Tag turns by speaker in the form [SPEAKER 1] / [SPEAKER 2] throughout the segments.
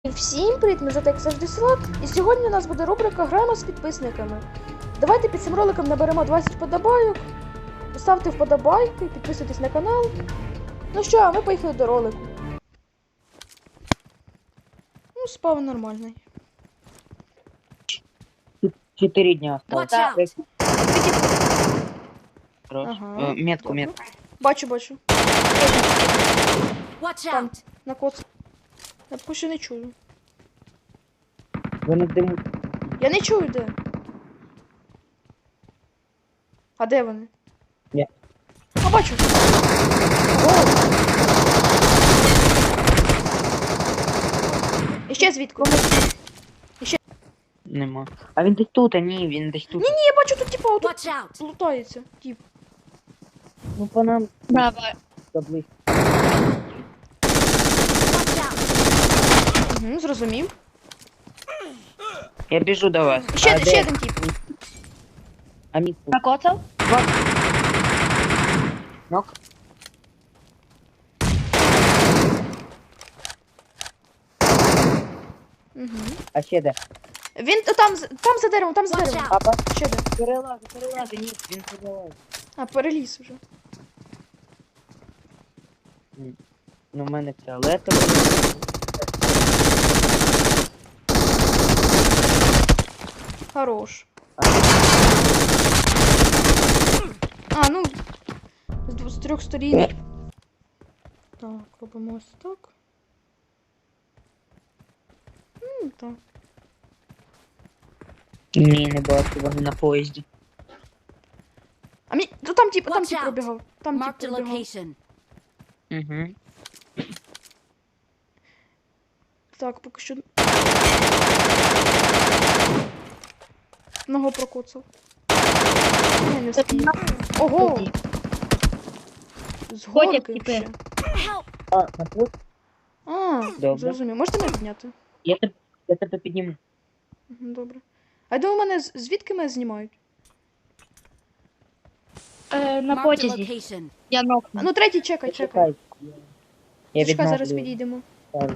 [SPEAKER 1] Всім привіт, ми як завжди Слот, і сьогодні у нас буде рубрика «Граємо з підписниками». Давайте під цим роликом наберемо 20 вподобайок, поставте вподобайки, підписуйтесь на канал. Ну що, а ми поїхали до ролику. Ну, спав нормальний.
[SPEAKER 2] 4 дня осталось.
[SPEAKER 1] Ага.
[SPEAKER 2] Метку.
[SPEAKER 1] Бачу. Там, на коц. Я поки що не чую.
[SPEAKER 2] Вони димуть.
[SPEAKER 1] Я не чую, де. А де вони?
[SPEAKER 2] Ні.
[SPEAKER 1] А, бачу. І ще звідки?
[SPEAKER 2] Нема. А він десь тут, він десь тут.
[SPEAKER 1] Ні, я бачу тут типа отут лутається. Тип.
[SPEAKER 2] Ну по нам.
[SPEAKER 3] Давай.
[SPEAKER 2] Заблизько.
[SPEAKER 1] Угу, зрозумів.
[SPEAKER 2] Я біжу до вас.
[SPEAKER 1] Ще один тип.
[SPEAKER 2] А мітку?
[SPEAKER 3] Накоцав?
[SPEAKER 2] Нок?
[SPEAKER 1] Угу.
[SPEAKER 2] А ще де?
[SPEAKER 1] Він там за деревом, там за деревом.
[SPEAKER 2] Папа?
[SPEAKER 1] Ще де?
[SPEAKER 2] Перелази, ні, він перелазить.
[SPEAKER 1] А, переліз вже.
[SPEAKER 2] Ну, в мене фіолетовий.
[SPEAKER 1] Хорош. А, ну, з трьох сторін. Так, робимо ось так. Так.
[SPEAKER 2] Ні, не бачу, вони на поїзді.
[SPEAKER 1] А мені, то там тип
[SPEAKER 4] Watch out.
[SPEAKER 1] пробігав. Там тип
[SPEAKER 4] Marked a
[SPEAKER 1] пробігав.
[SPEAKER 4] location.
[SPEAKER 2] Угу.
[SPEAKER 1] Так, поки що. Ногу прокоцав. Не встиг. Ого! З
[SPEAKER 3] Ходять
[SPEAKER 1] горки
[SPEAKER 3] типи.
[SPEAKER 1] ще.
[SPEAKER 2] А, на поїзд?
[SPEAKER 1] А,
[SPEAKER 2] Добре.
[SPEAKER 1] зрозумів. Можете мене підняти?
[SPEAKER 2] Я тебе підніму.
[SPEAKER 1] Мгм, добре. А я думаю, мене звідки мене знімають?
[SPEAKER 3] На
[SPEAKER 4] Marked a
[SPEAKER 3] потязі.
[SPEAKER 4] location.
[SPEAKER 3] Я
[SPEAKER 1] А,
[SPEAKER 3] нокну.
[SPEAKER 1] ну третій, чекай.
[SPEAKER 2] Чекай. Я
[SPEAKER 1] Чекай, зараз
[SPEAKER 2] відновлю.
[SPEAKER 1] підійдемо.
[SPEAKER 2] Ставлю.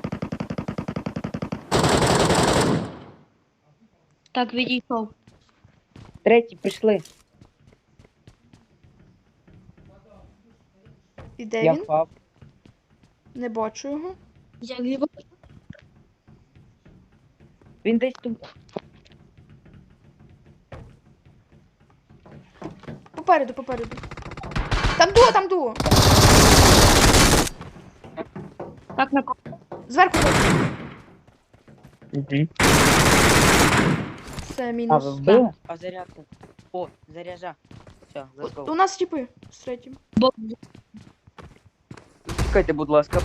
[SPEAKER 3] Так, відійшов.
[SPEAKER 2] Третій, пішли.
[SPEAKER 1] І де
[SPEAKER 2] Я
[SPEAKER 1] він?
[SPEAKER 2] впав.
[SPEAKER 1] Не бачу його.
[SPEAKER 3] Я ліво.
[SPEAKER 2] Він десь тут.
[SPEAKER 1] Попереду. Там дуо.
[SPEAKER 3] Так, накоцав.
[SPEAKER 1] Зверху.
[SPEAKER 2] Угу.
[SPEAKER 1] Це
[SPEAKER 2] А,
[SPEAKER 1] мінус.
[SPEAKER 2] ви вбили? А зарядка. О, заряжа. Все,
[SPEAKER 1] У
[SPEAKER 2] let's
[SPEAKER 1] нас типи з третім.
[SPEAKER 3] Бо
[SPEAKER 2] Чекайте, будь ласка.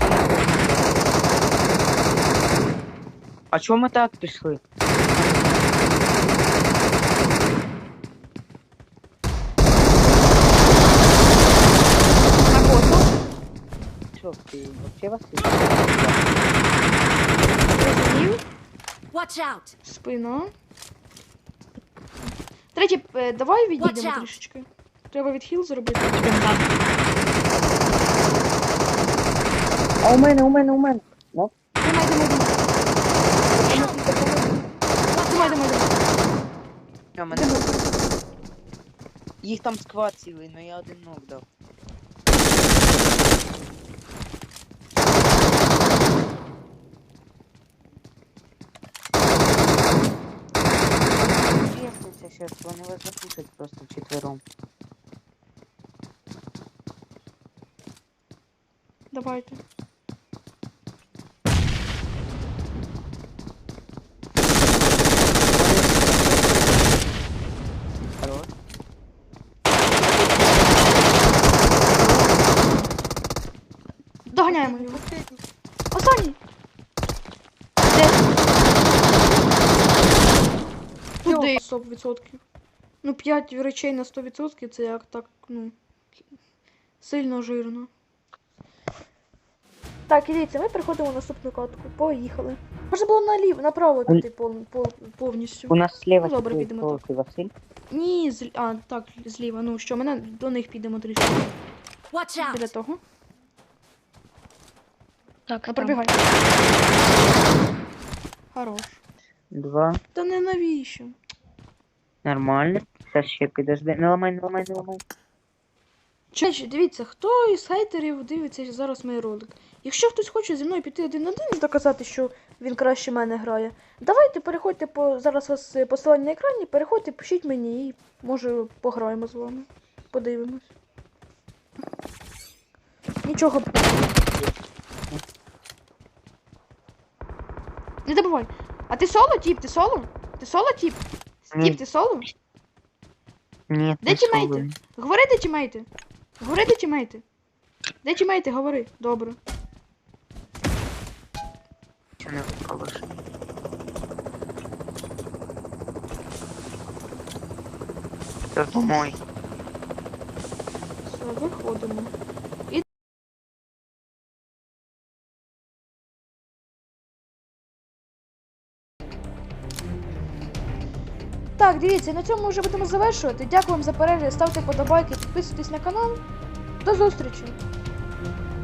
[SPEAKER 2] А чому ми так пішли?
[SPEAKER 1] Накоцав.
[SPEAKER 2] Що, ти вообще Василь?
[SPEAKER 1] Зрозумів.
[SPEAKER 4] Watch out.
[SPEAKER 1] Спина. Третій, давай
[SPEAKER 4] Watch
[SPEAKER 1] відійдемо
[SPEAKER 4] out.
[SPEAKER 1] трішечки. Треба відхил зробити.
[SPEAKER 2] А у мене. Ну,
[SPEAKER 1] Думай.
[SPEAKER 2] а мене. Їх там сквад цілий, но я один ног дав. Честно, сейчас вони вас запушать просто вчетвером.
[SPEAKER 1] Давайте.
[SPEAKER 2] Хорош.
[SPEAKER 1] Доганяємо його. Останній! Де? Туди 100%. Ну, 5 речей на 100% це як так, ну, сильно жирно. Так, і дивіться, ми переходимо в наступну катку. Поїхали. Можна було направо піти повністю.
[SPEAKER 2] У нас слева
[SPEAKER 1] Ну, добре, підемо
[SPEAKER 2] ти Василь.
[SPEAKER 1] Ні, так, зліва. Ну що, мене до них підемо трішки.
[SPEAKER 4] Watch
[SPEAKER 1] Біля
[SPEAKER 4] out.
[SPEAKER 1] того.
[SPEAKER 3] Так,
[SPEAKER 1] Ну,
[SPEAKER 3] там.
[SPEAKER 1] пробігай. Хорош.
[SPEAKER 2] 2.
[SPEAKER 1] Та не навіщо?
[SPEAKER 2] Нормально. Сейчас ще підожди. Не ламай, не ламай, не ламай.
[SPEAKER 1] Чечі, дивіться, хто із хейтерів дивиться зараз мій ролик. Якщо хтось хоче зі мною піти один на один і доказати, що він краще мене грає, давайте переходьте по зараз у вас посилання на екрані, переходьте, пишіть мені і може пограємо з вами. Подивимось. Нічого. Не забувай. А ти соло, тіп? Ти соло? Ти соло, тіп?
[SPEAKER 2] Ні.
[SPEAKER 1] Тіп, ти соло?
[SPEAKER 2] Ні,
[SPEAKER 1] Де
[SPEAKER 2] не
[SPEAKER 1] тімейти?
[SPEAKER 2] соло.
[SPEAKER 1] Говори, де тімейти. Говори, де тімейти. Де тімейти, говори. Добре.
[SPEAKER 2] Чи не випалиш? Це помой.
[SPEAKER 1] Все, виходимо. Так, дивіться, на цьому вже будемо завершувати. Дякую вам за перегляд, ставте подобайки, підписуйтесь на канал. До зустрічі!